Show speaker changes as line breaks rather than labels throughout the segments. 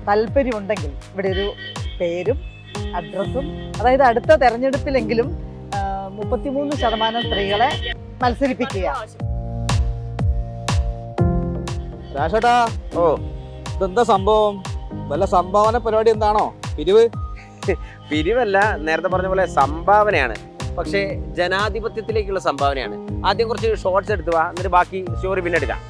താല്പര്യമുണ്ടെങ്കിൽ ഇവിടെ ഒരു പേരും അഡ്രസ്സും, അതായത് അടുത്ത തെരഞ്ഞെടുപ്പിലെങ്കിലും 33% സ്ത്രീകളെ മത്സരിപ്പിക്കുക.
രാഷേട്ടാ, ഓ ഇതെന്താ സംഭവം? വല്ല സംഭാവന പരിപാടി എന്താണോ? പിരിവ്?
പിരിവല്ല, നേരത്തെ പറഞ്ഞ പോലെ സംഭാവനയാണ്. പക്ഷേ ജനാധിപത്യത്തിലേക്കുള്ള സംഭാവനയാണ്. ആദ്യം കുറച്ച് ഷോർട്സ് എടുത്തു വാ, എന്നിട്ട് ബാക്കി സ്റ്റോറി പിന്നെ എടുക്കാം.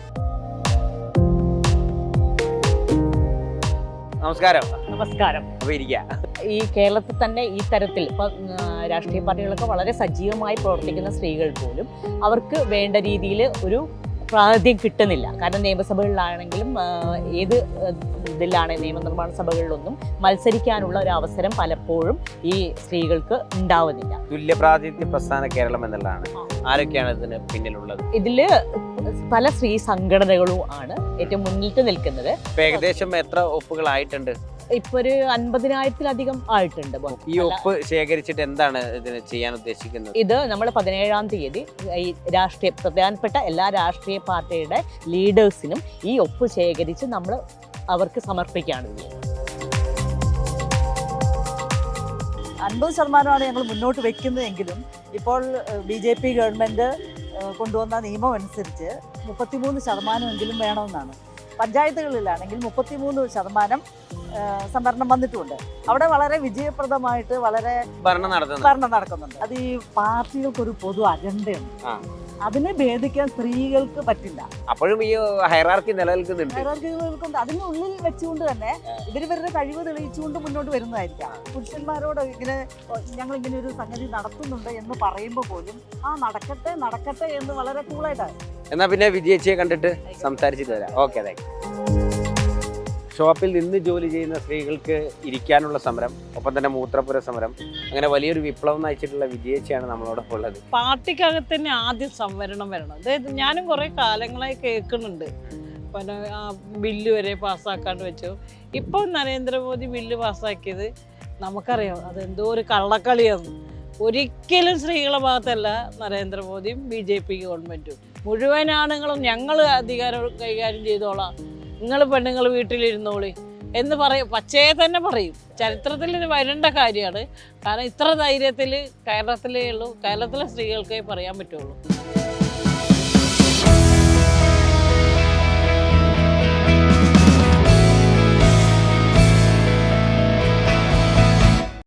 നമസ്കാരം.
നമസ്കാരം.
അപ്പോൾ ഇരിക്കുക.
ഈ കേരളത്തിൽ തന്നെ ഈ തരത്തിൽ ഇപ്പം രാഷ്ട്രീയ പാർട്ടികളൊക്കെ വളരെ സജീവമായി പ്രവർത്തിക്കുന്ന സ്ത്രീകൾ പോലും അവർക്ക് വേണ്ട രീതിയിൽ ഒരു പ്രാതിനിധ്യം കിട്ടുന്നില്ല. കാരണം നിയമസഭകളിലാണെങ്കിലും ഏത് ഇതിലാണ് നിയമനിർമ്മാണ സഭകളിലൊന്നും മത്സരിക്കാനുള്ള ഒരു അവസരം പലപ്പോഴും ഈ സ്ത്രീകൾക്ക് ഉണ്ടാവുന്നില്ല.
തുല്യ പ്രാതിനിധ്യ പ്രസ്ഥാന കേരളം എന്നുള്ളതാണ്. ആരൊക്കെയാണ് ഇതിന് പിന്നിലുള്ളത്?
ഇതില് പല സ്ത്രീ സംഘടനകളും ആണ് ഏറ്റവും മുന്നിട്ട് നിൽക്കുന്നത്.
ഏകദേശം എത്ര ഒപ്പുകളായിട്ടുണ്ട്?
ഇപ്പൊ ഒരു 50,000-ലധികം ആയിട്ടുണ്ട്.
ഈ ഒപ്പ് ശേഖരിച്ചിട്ട് എന്താണ് ഇതിന് ചെയ്യാൻ ഉദ്ദേശിക്കുന്നത്?
ഇത് നമ്മൾ 17-ാം തീയതി ഈ പ്രധാനപ്പെട്ട എല്ലാ രാഷ്ട്രീയ പാർട്ടിയുടെ ലീഡേഴ്സിനും ഈ ഒപ്പ് ശേഖരിച്ച് നമ്മൾ അവർക്ക് സമർപ്പിക്കുകയാണ് ചെയ്യുന്നത്.
50% ഞങ്ങൾ മുന്നോട്ട് വെക്കുന്നതെങ്കിലും ഇപ്പോൾ BJP ഗവൺമെൻറ് കൊണ്ടുവന്ന നിയമം അനുസരിച്ച് 33% വേണമെന്നാണ്. പഞ്ചായത്തുകളിലാണെങ്കിൽ 33% സംവരണം വന്നിട്ടുമുണ്ട്. അവിടെ വളരെ വിജയപ്രദമായിട്ട് വളരെ ഭരണം നടക്കുന്നുണ്ട്. അത് ഈ പാർട്ടികൾക്കൊരു പൊതു അജണ്ടയുണ്ട്. അതിനെ ഭേദിക്കാൻ സ്ത്രീകൾക്ക് പറ്റില്ല.
അപ്പോഴും ഈ ഹൈറാർക്കി നിലനിൽക്കുന്നുണ്ട്.
അതിനുള്ളിൽ വെച്ചുകൊണ്ട് തന്നെ ഇവരുടെ കഴിവ് തെളിയിച്ചുകൊണ്ട് മുന്നോട്ട് വരുന്നതായിരിക്കാം. പുരുഷന്മാരോട് ഞങ്ങൾ ഇങ്ങനെ ഒരു സംഗതി നടത്തുന്നുണ്ട് എന്ന് പറയുമ്പോൾ പോലും നടക്കട്ടെ എന്ന് വളരെ കൂളായിട്ടാണ്.
എന്നാ പിന്നെ വിജയിച്ചയെ കണ്ടിട്ട് സംസാരിച്ചിട്ട് വരാം. Okay, thank you. ഷോപ്പിൽ നിന്ന് ജോലി ചെയ്യുന്ന സ്ത്രീകൾക്ക് ഇരിക്കാനുള്ള സമരം, ഒപ്പം തന്നെ മൂത്രപ്പുര സമരം, അങ്ങനെ വലിയൊരു വിപ്ലവം നയിച്ചിട്ടുള്ള വിജയിച്ചയാണ് നമ്മളോടൊപ്പം ഉള്ളത്.
പാർട്ടിക്കകത്ത് തന്നെ ആദ്യം സംവരണം വരണം. അതായത് ഞാനും കുറേ കാലങ്ങളായി കേൾക്കുന്നുണ്ട്. പിന്നെ ബില്ല് വരെ പാസ്സാക്കാണ്ട് വെച്ചു. ഇപ്പോൾ നരേന്ദ്രമോദി ബില്ല് പാസ്സാക്കിയത് നമുക്കറിയാം അതെന്തോ ഒരു കള്ളക്കളിയാണ്. ഒരിക്കലും സ്ത്രീകളുടെ ഭാഗത്തല്ല നരേന്ദ്രമോദിയും BJP ഗവൺമെൻറ്റും. മുഴുവൻ ആണുങ്ങളും ഞങ്ങൾ അധികാരം കൈകാര്യം ചെയ്തോളാം, നിങ്ങൾ പെണ്ണുങ്ങൾ വീട്ടിലിരുന്നോളി എന്ന് പറയും. പച്ചയെ തന്നെ പറയും. ചരിത്രത്തിൽ ഇത് വരേണ്ട കാര്യമാണ്. കാരണം ഇത്ര ധൈര്യത്തിൽ കേരളത്തിലേ ഉള്ളൂ, കേരളത്തിലെ സ്ത്രീകൾക്കേ പറയാൻ പറ്റുള്ളൂ.